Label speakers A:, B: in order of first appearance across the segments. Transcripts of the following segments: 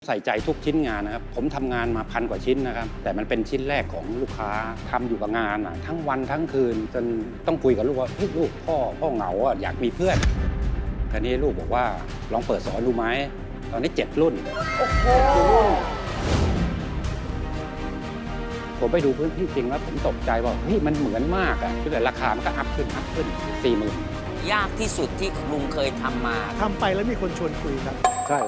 A: ใส่ใจทุกชิ้นงานนะครับผมทำงานมา1,000 กว่าชิ้นนะครับแต่มันเป็นชิ้นแรกของลูกค้าทำอยู่กับงานทั้งวันทั้งคืนจนต้องคุยกับลูกว่าลูกพ่อเหงาอยากมีเพื่อนคราวนี้ลูกบอกว่าลองเปิดสอนดูไหมตอนนี้7 รุ่นโอ้โหผมไปดูพื้นที่จริงแล้วผมตกใจว่ามันเหมือนมากแต่ราคามันก็อัพขึ้น40,000
B: ยากที่สุดที่ลุงเคยทำมา
C: ทำไปแล้วมีคนชวนคุยครับ
A: ใช่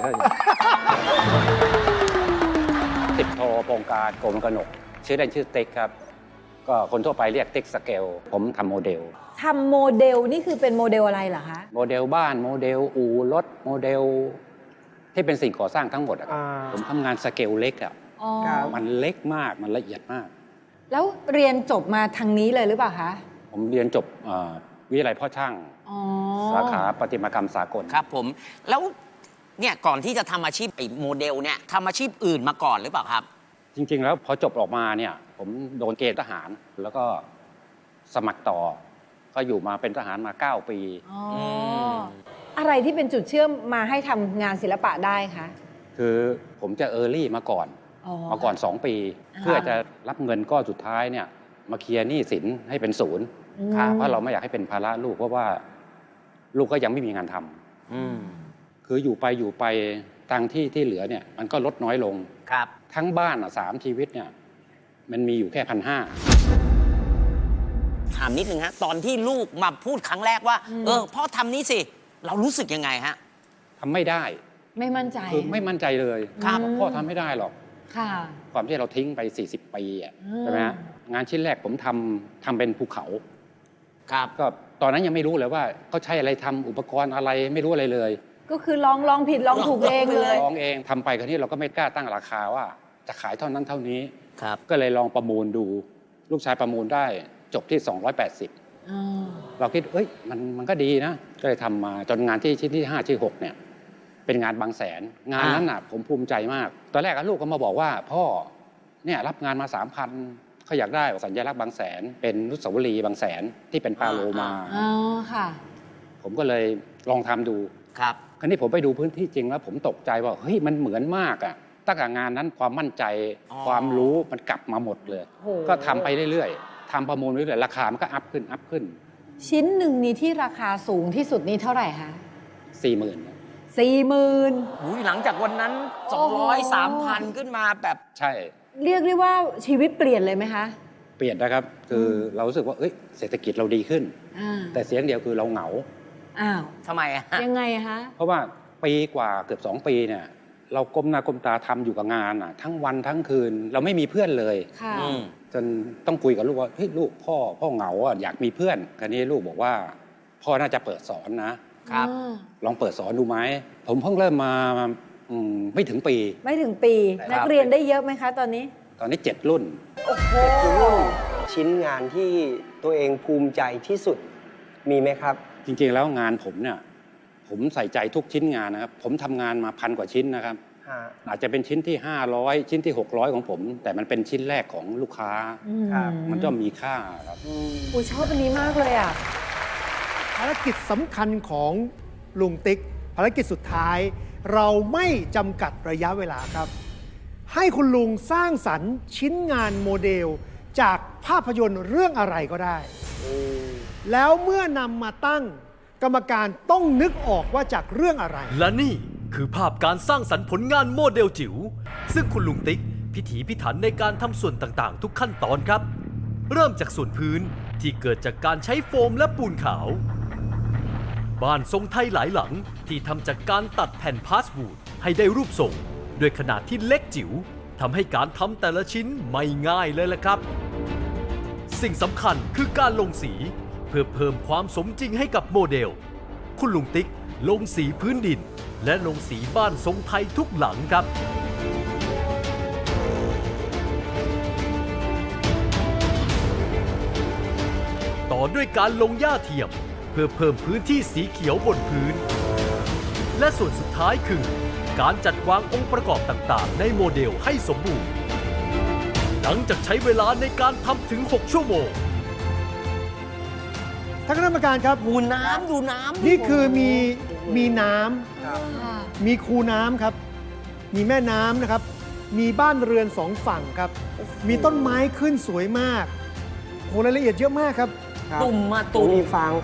A: 10 โทโปรงการโกมกนกชื่อเล่นชื่อติ๊กครับก็คนทั่วไปเรียกติ๊กสเกลผมทำโมเดล
D: นี่คือเป็นโมเดลอะไรเหรอคะ
A: โมเดลบ้านโมเดลอู่รถโมเดลที่เป็นสิ่งก่อสร้างทั้งหมดผมทำงานสเกลเล็กมันเล็กมากมันละเอียดมาก
D: แล้วเรียนจบมาทางนี้เลยหรือเปล่าคะ
A: ผมเรียนจบวิทยาลัยพ่อช่างสาขาประติมากรรมสากล
B: ครับผมแล้วเนี่ยก่อนที่จะทำอาชีพโมเดลเนี่ยทำอาชีพอื่นมาก่อนหรือเปล่าครับ
A: จริงๆแล้วพอจบออกมาเนี่ยผมโดนเกณฑ์ทหารแล้วก็สมัครต่อก็อยู่มาเป็นทหารมา9 ปี
D: อะไรที่เป็นจุดเชื่อมมาให้ทำงานศิลปะได้คะ
A: คือผมจะเออร์ลี่มาก่อน2 ปีเพื่อจะรับเงินก้อนสุดท้ายเนี่ยมาเคลียร์หนี้สินให้เป็นศูนย์เพราะเราไม่อยากให้เป็นภาระลูกเพราะว่าลูกก็ยังไม่มีงานทำคืออยู่ไปตังค์ที่เหลือเนี่ยมันก็ลดน้อยลง
B: ครับ
A: ทั้งบ้าน3 ชีวิตเนี่ยมันมีอยู่แค่1,500
B: ถามนิดนึงฮะตอนที่ลูกมาพูดครั้งแรกว่าพ่อทำนี้สิเรารู้สึกยังไงฮะ
A: ทำไม่ได้
D: ไม่มั่นใจ
A: คือไม่มั่นใจเลยพ่อทำไม่ได้หรอกความที่เราทิ้งไป40 ปีใช่ไหมฮะงานชิ้นแรกผมทำเป็นภูเขา
B: ครับ
A: ก็ตอนนั้นยังไม่รู้เลยว่าเขาใช้อะไรทำอุปกรณ์อะไรไม่รู้อะไรเลย
D: ก็คือลองผิดลองถูกเองเลย
A: ลองเองทำไปคราวนี้เราก็ไม่กล้าตั้งราคาว่าจะขายเท่านั้นเท่านี้
B: ครับ
A: ก็เลยลองประมูลดูลูกชายประมูลได้จบที่280เราคิดมันก็ดีนะก็เลยทำมาจนงานที่ชิ้นที่5ที่6เนี่ยเป็นงานบางแสนงานนั้นผมภูมิใจมากตอนแรกลูกก็มาบอกว่าพ่อเนี่ยรับงานมา 3,000เขาอยากได้สัญลักษณ์บางแสนเป็นอนุสาวรีย์บางแสนที่เป็นปลาโลมา
D: ค่ะ
A: ผมก็เลยลองทำดู
B: ครับ
A: คราวนี้ผมไปดูพื้นที่จริงแล้วผมตกใจว่ามันเหมือนมากตั้งแต่งานนั้นความมั่นใจความรู้มันกลับมาหมดเลยก็ทำไปเรื่อยๆทำประมูลเรื่อยๆราคามันก็อัพขึ้น
D: ชิ้นหนึ่งนี้ที่ราคาสูงที่สุดนี้เท่าไหร่คะ
B: 40,000หลังจากวันนั้น200-3,000ขึ้นมาแบบ
A: ใช่
D: เรียกได้ว่าชีวิตเปลี่ยนเลยไหมคะ
A: เปลี่ยนนะครับคือเรารู้สึกว่าเศรษฐกิจเราดีขึ้นแต่เสียงเดียวคือเราเหงา
B: ทำไม
D: ยังไงคะ
A: เพราะว่าปีกว่าเกือบ2 ปีเนี่ยเราก้มหน้าก้มตาทำอยู่กับงานทั้งวันทั้งคืนเราไม่มีเพื่อนเลยจนต้องคุยกับลูกว่าลูกพ่อเหงาอยากมีเพื่อนคราวนี้ลูกบอกว่าพ่อน่าจะเปิดสอนนะครับลองเปิดสอนดูไหมผมเพิ่งเริ่มมาไม่ถึงปี
D: นักเรียนได้เยอะไหมคะตอนนี้
A: 7 รุ่น
D: โอ้โห
C: ชิ้นงานที่ตัวเองภูมิใจที่สุดมีไหมครับ
A: จริงๆแล้วงานผมเนี่ยผมใส่ใจทุกชิ้นงานนะครับผมทำงานมา1,000 กว่าชิ้นนะครับอาจจะเป็นชิ้นที่500ชิ้นที่600ของผมแต่มันเป็นชิ้นแรกของลูกค้ามันก็มีค่าครับ
D: ชอบอันนี้มากเลย
C: ภารกิจสำคัญของลุงติ๊กภารกิจสุดท้ายเราไม่จำกัดระยะเวลาครับให้คุณลุงสร้างสรรค์ชิ้นงานโมเดลจากภาพยนตร์เรื่องอะไรก็ได้แล้วเมื่อนำมาตั้งกรรมการต้องนึกออกว่าจากเรื่องอะไร
E: และนี่คือภาพการสร้างสรรค์ผลงานโมเดลจิ๋วซึ่งคุณลุงติ๊กพิถีพิถันในการทำส่วนต่างๆทุกขั้นตอนครับเริ่มจากส่วนพื้นที่เกิดจากการใช้โฟมและปูนขาวบ้านทรงไทยหลายหลังที่ทำจากการตัดแผ่นพาสวูดให้ได้รูปทรงด้วยขนาดที่เล็กจิ๋วทำให้การทำแต่ละชิ้นไม่ง่ายเลยล่ะครับสิ่งสำคัญคือการลงสีเพื่อเพิ่มความสมจริงให้กับโมเดลคุณลุงติ๊กลงสีพื้นดินและลงสีบ้านทรงไทยทุกหลังครับต่อด้วยการลงหญ้าเทียมเพื่อเพิ่มพื้นที่สีเขียวบนพื้นและส่วนสุดท้ายคือการจัดวางองค์ประกอบต่างๆในโมเดลให้สมบูรณ์หลังจากใช้เวลาในการทำถึง6 ชั่วโมง
C: ท่านคณะกรรมการครับ
B: ดูน้ำ
C: นี่คือมีน้ำมีคูน้ำครับมีแม่น้ำนะครับ มีบ้านเรือนสองฝั่งครับ มีต้นไม้ขึ้นสวยมากโหรายละเอียดเยอะมากครับ
F: ครับ
B: ตุ่มมาตุ่ม
F: มีฟาง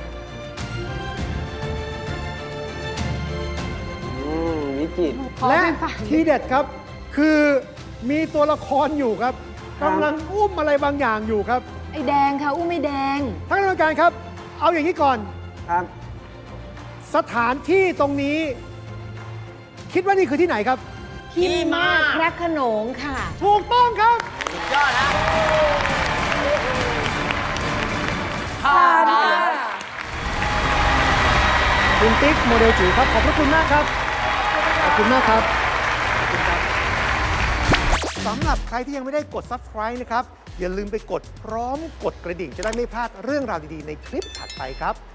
F: วิจิตร
D: ขอ
C: และ
D: เป็นฝ่าย
C: ทีเด็ดครับ คือมีตัวละครอยู่ครับ
F: ครับ
C: กำลังอุ้มอะไรบางอย่างอยู่ครับ
D: ไอ้แดงค่ะ อุ้มไอ้แดง
C: ท่านกรรมการครับ เอาอย่างนี้ก่อน
F: ครับ
C: สถานที่ตรงนี้ คิดว่านี่คือที่ไหนครับ
D: ที่มาดพระโขนงค่ะ
C: ถูกต้องครับ
B: สุดยอดนะ
C: คุณติ๊กโมเดลจิ๋วครับ ขอบพระคุณมากครับ ขอบคุณมากครับสำหรับใครที่ยังไม่ได้กด subscribe นะครับ อย่าลืมไปกดพร้อมกดกระดิ่งจะได้ไม่พลาดเรื่องราวดี ๆ ในคลิปถัดไปครับ